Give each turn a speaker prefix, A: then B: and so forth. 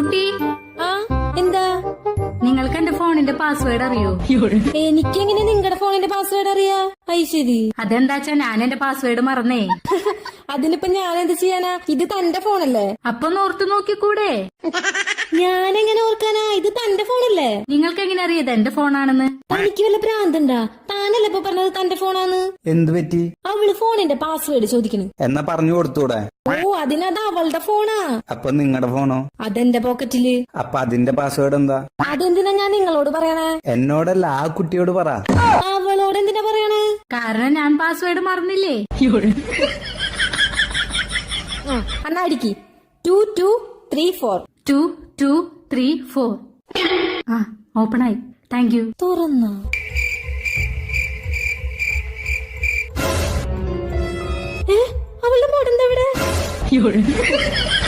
A: കുട്ടി
B: ആ എന്താ?
A: നിങ്ങൾക്ക് എന്റെ ഫോണിന്റെ പാസ്വേഡ് അറിയോ?
B: എനിക്കെങ്ങനെ നിങ്ങളുടെ ഫോണിന്റെ പാസ്വേഡ് അറിയാ? ശരി.
A: അതെന്താച്ചാ ഞാൻ എന്റെ പാസ്വേഡ് മറന്നേ.
B: അതിനിപ്പോ ഞാൻ എന്ത് ചെയ്യാനാ? ഇത് തന്റെ ഫോണല്ലേ?
A: അപ്പൊ ഓർത്തു നോക്കിക്കൂടെ?
B: ഞാനെങ്ങനെ ഓർക്കാനാ? ഇത് തന്റെ ഫോണല്ലേ?
A: നിങ്ങൾക്ക് എങ്ങനെ അറിയത് എന്റെ ഫോണാണെന്ന്?
B: തനിക്ക് വല്ല ഭ്രാന്തണ്ടാ? താനല്ലേ ഇപ്പൊ പറഞ്ഞത് തന്റെ ഫോണാന്ന്?
C: എന്ത് പറ്റി?
B: അവള് ഫോണിന്റെ പാസ്വേഡ് ചോദിക്കണു.
C: എന്നാ പറഞ്ഞു കൊടുത്തൂടെ?
B: ഓ, അതിനത് അവളുടെ ഫോണാ.
C: അപ്പൊ നിങ്ങളുടെ ഫോണോ?
B: അതെന്റെ പോക്കറ്റില്.
C: അപ്പൊ അതിന്റെ പാസ്വേഡ് എന്താ?
B: അതെന്തിനാ ഞാൻ നിങ്ങളോട് പറയണേ?
C: എന്നോടല്ല, ആ കുട്ടിയോട് പറ.
B: അവളോട് എന്തിനാ പറയണേ?
A: കാരണം ഞാൻ പാസ്വേഡ് മറന്നില്ലേ.
B: എന്നാ അടിക്ക്. 2234
A: 2234. ആ, ഓപ്പൺ ആയി. Thank you.
B: തുറന്ന അവളുടെ മോഡെന്താ ഇവിടെ?